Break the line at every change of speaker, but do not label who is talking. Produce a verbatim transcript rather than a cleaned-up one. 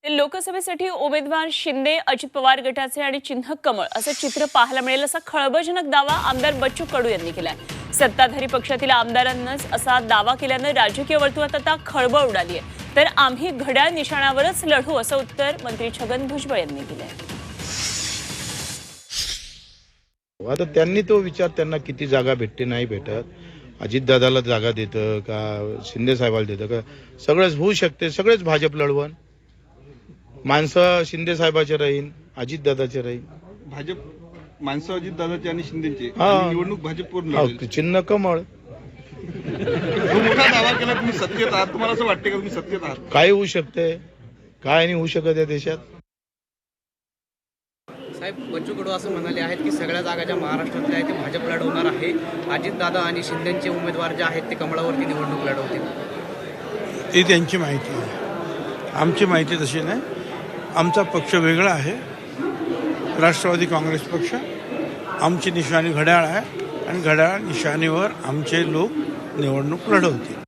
ते लोकसभेसाठी उमेदवार शिंदे, अजित पवार गटाचे आणि चिन्ह कमळ असं चित्र पाहायला मिळेल असा खळबळजनक दावा आमदार बच्चू कडू यांनी केलाय। सत्ताधारी पक्षातील आमदारांनाच असा दावा केल्यानं राजकीय वर्तुळात आता खळबळ उडाली आहे। तर आम्ही घड्याळ निशाणावरच लढू असं उत्तर मंत्री छगन भुजबळ यांनी दिलंय।
आता त्यांनी तो विचार, त्यांना किती जागा भेटते नाही भेटत, अजितदादाला जागा देतं का शिंदे साहेबाला देतं का, सगळंच होऊ शकते। सगळेच भाजप लढवण, माणसं शिंदे साहेबाचे राहीन, अजितदादाचे राहीन।
भाजप माणसं अजितदादाची आणि शिंदेची
हा।
निवडणूक भाजपवर
हो,
लढेल।
चिन्ह कमळ।
जो मोठा दावा केला तुम्ही सत्तेत आहात, तुम्हाला असं वाटते का तुम्ही सत्तेत आहात?
काय होऊ शकते, काय नाही होऊ शकत या देशात।
साहेब, बच्चू कडू असं म्हणाले आहेत की सगळ्या जागा ज्या महाराष्ट्रातल्या आहेत ते भाजप लढवणार आहे। अजितदादा आणि शिंदेचे उमेदवार जे आहेत ते कमळावरती निवडणूक लढवतील।
ती त्यांची माहिती आहे, आमची माहिती तशी नाही। आमचा पक्ष वेगळा आहे, राष्ट्रवादी काँग्रेस पक्ष। आमची निशाणी घड्याळ आहे आणि घड्याळ निशाणीवर आमचे लोक निवडणूक लढवतील।